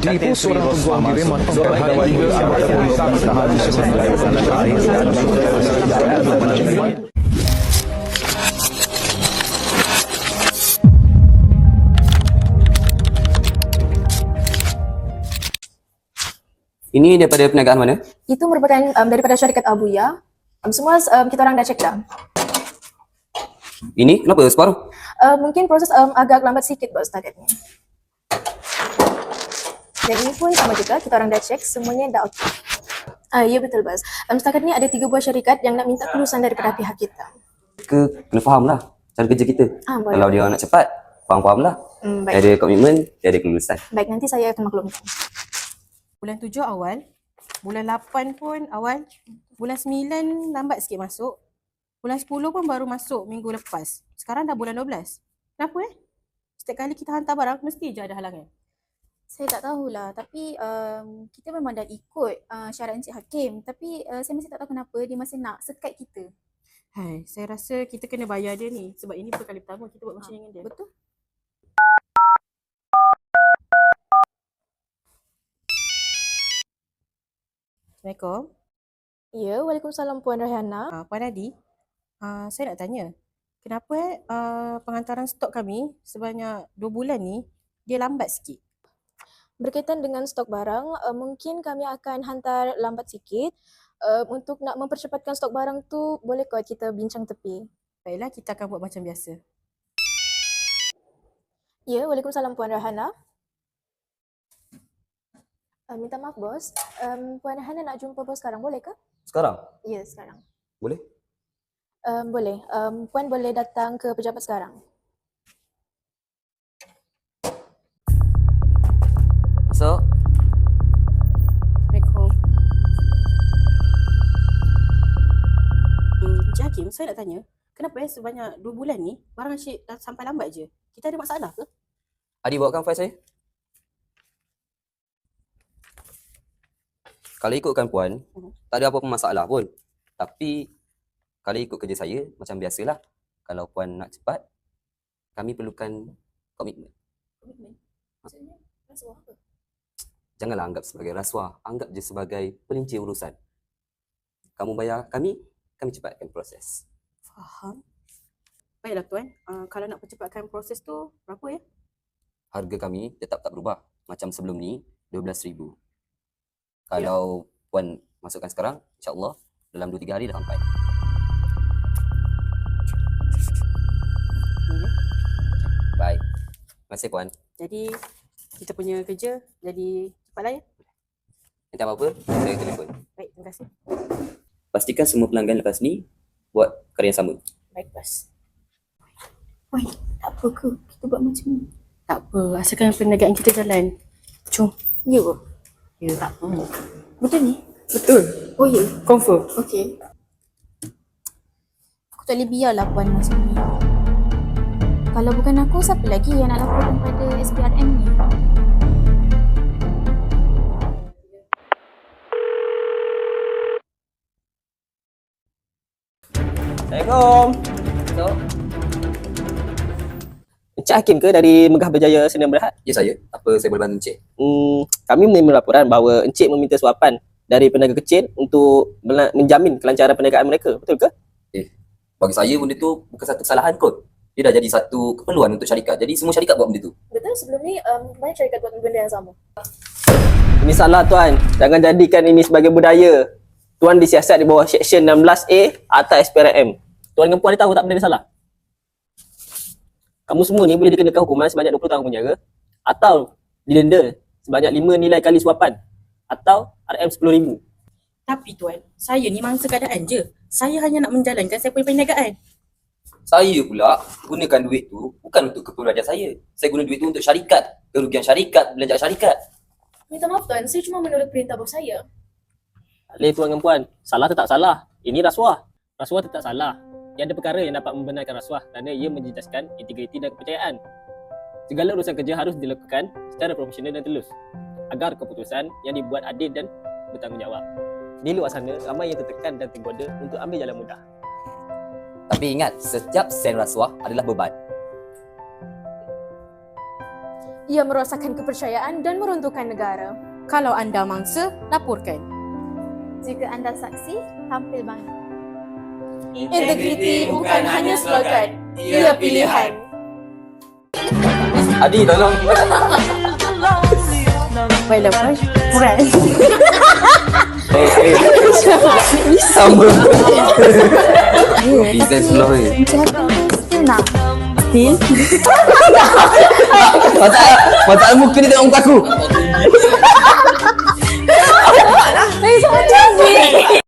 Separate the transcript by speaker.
Speaker 1: Ditipu seorang pegawai kirim memperoleh tiga anggota polis bertahan di sebelah
Speaker 2: Ini daripada perniagaan mana?
Speaker 3: Itu merupakan daripada syarikat Abuya. Semua kita orang dah check dah.
Speaker 2: Ini kenapa separuh?
Speaker 3: Mungkin proses agak lambat sikit bos setakat ni. Dan ini pun sama juga, kita orang dah check, semuanya dah okey. Ya betul bos. Setakat ni ada 3 buah syarikat yang nak minta kelulusan daripada pihak kita.
Speaker 2: Kena faham lah cara kerja kita.
Speaker 3: Boleh.
Speaker 2: Kalau dia nak cepat, faham-faham lah.
Speaker 3: Baik.
Speaker 2: Ada komitmen, dia ada kelulusan.
Speaker 3: Baik, nanti saya akan maklumkan.
Speaker 4: Bulan 7 awal, bulan 8 pun awal, bulan 9 lambat sikit masuk, bulan 10 pun baru masuk minggu lepas. Sekarang dah bulan 12. Kenapa Setiap kali kita hantar barang, mesti je ada halangan.
Speaker 5: Saya tak tahulah, tapi kita memang dah ikut syarat Encik Hakim. Tapi saya masih tak tahu kenapa dia masih nak sekat kita.
Speaker 4: Hai, saya rasa kita kena bayar dia ni. Sebab ini bukan kali pertama kita buat macam ni dengan dia.
Speaker 5: Betul?
Speaker 4: Assalamualaikum.
Speaker 3: Ya, Waalaikumsalam Puan Rayhana.
Speaker 4: Puan Adi, saya nak tanya. Kenapa penghantaran stok kami sebanyak 2 bulan ni, dia lambat sikit?
Speaker 3: Berkaitan dengan stok barang, mungkin kami akan hantar lambat sikit. Untuk nak mempercepatkan stok barang tu, boleh kot kita bincang tepi.
Speaker 4: Baiklah, kita akan buat macam biasa.
Speaker 3: Ya, Waalaikumsalam Puan Rayhana. Minta maaf bos, Puan Rayhana nak jumpa bos sekarang, boleh ke?
Speaker 2: Sekarang?
Speaker 3: Ya, sekarang.
Speaker 2: Boleh?
Speaker 3: Boleh. Puan boleh datang ke pejabat sekarang.
Speaker 2: Masuk.
Speaker 4: Assalamualaikum. Encik Hakim, saya nak tanya, kenapa sebanyak 2 bulan ni barang Encik dah sampai lambat je? Kita ada masalah ke?
Speaker 2: Adi bawakan file saya. Kalau ikutkan puan, tak ada apa-apa masalah pun. Tapi kalau ikut kerja saya, macam biasalah. Kalau puan nak cepat, kami perlukan komitmen.
Speaker 5: Komitmen? Maksudnya rasuah ke?
Speaker 2: Janganlah anggap sebagai rasuah. Anggap je sebagai pelincir urusan. Kamu bayar kami cepatkan proses.
Speaker 4: Faham. Baiklah tuan, kalau nak percepatkan proses tu, berapa ya?
Speaker 2: Harga kami tetap tak berubah. Macam sebelum ni, 12,000. Kalau puan masukkan sekarang, insyaAllah dalam 2-3 hari dah sampai. Baik. Terima kasih puan.
Speaker 4: Jadi, kita punya kerja jadi cepatlah ya.
Speaker 2: Nanti apa-apa, saya telefon.
Speaker 4: Baik, terima kasih.
Speaker 2: Pastikan semua pelanggan lepas ni buat karya yang sama.
Speaker 4: Baik, bos.
Speaker 5: Woi, tak apa ke? Kita buat macam ni.
Speaker 4: Tak apa, asalkan perniagaan kita jalan. Jom.
Speaker 5: Ya ke?
Speaker 4: Ya, tak apa.
Speaker 5: Betul ni?
Speaker 4: Betul.
Speaker 5: Oh ya?
Speaker 4: Confirm.
Speaker 5: Okey. Aku tak boleh biarlah Puan masuk ni. Kalau bukan aku, siapa lagi yang nak laporkan pada SPRM ni?
Speaker 6: Assalamualaikum. Encik Hakim ke dari Megah Berjaya Sdn Bhd?
Speaker 2: Ya saya. Apa saya boleh bantu Encik?
Speaker 6: Kami menerima laporan bahawa Encik meminta suapan dari peniaga kecil untuk menjamin kelancaran perniagaan mereka. Betul ke?
Speaker 2: Bagi saya benda tu bukan satu kesalahan kot. Dia dah jadi satu keperluan untuk syarikat. Jadi semua syarikat buat benda tu.
Speaker 3: Betul, sebelum ni banyak syarikat buat benda yang sama.
Speaker 6: Ini salah tuan. Jangan jadikan ini sebagai budaya. Tuan disiasat di bawah Seksyen 16A atas SPRM. Tuan dengan puan ni tahu tak benda ni salah? Kamu semua ni boleh dikenakan hukuman sebanyak 20 tahun penjara atau didenda sebanyak 5 nilai kali suapan atau RM 10,000.
Speaker 4: Tapi tuan, saya ni mangsa keadaan je. Saya hanya nak menjalankan saya punya perniagaan.
Speaker 2: Saya pula gunakan duit tu bukan untuk keperluan saya. Saya guna duit tu untuk syarikat. Kerugian syarikat, belanja syarikat.
Speaker 3: Minta maaf tuan, saya cuma menurut perintah bos saya.
Speaker 6: Boleh tuan dan puan, salah tetap salah. Ini rasuah. Rasuah tetap salah. Dia ada perkara yang dapat membenarkan rasuah kerana ia menjejaskan integriti dan kepercayaan. Segala urusan kerja harus dilakukan secara profesional dan telus agar keputusan yang dibuat adil dan bertanggungjawab. Di luar sana, ramai yang tertekan dan tergoda untuk ambil jalan mudah.
Speaker 2: Tapi ingat, setiap sen rasuah adalah beban.
Speaker 3: ia merosakkan kepercayaan dan meruntuhkan negara.
Speaker 4: Kalau anda mangsa, laporkan.
Speaker 5: Jika anda saksi, tampil bangkit.
Speaker 3: Integriti bukan hanya slogan, ia pilihan.
Speaker 2: Adi, tolong.
Speaker 4: Baiklah, boy. Kurang.
Speaker 2: Sama. Kita slow ni.
Speaker 4: Still?
Speaker 2: Masalah muka ni tengok muka aku.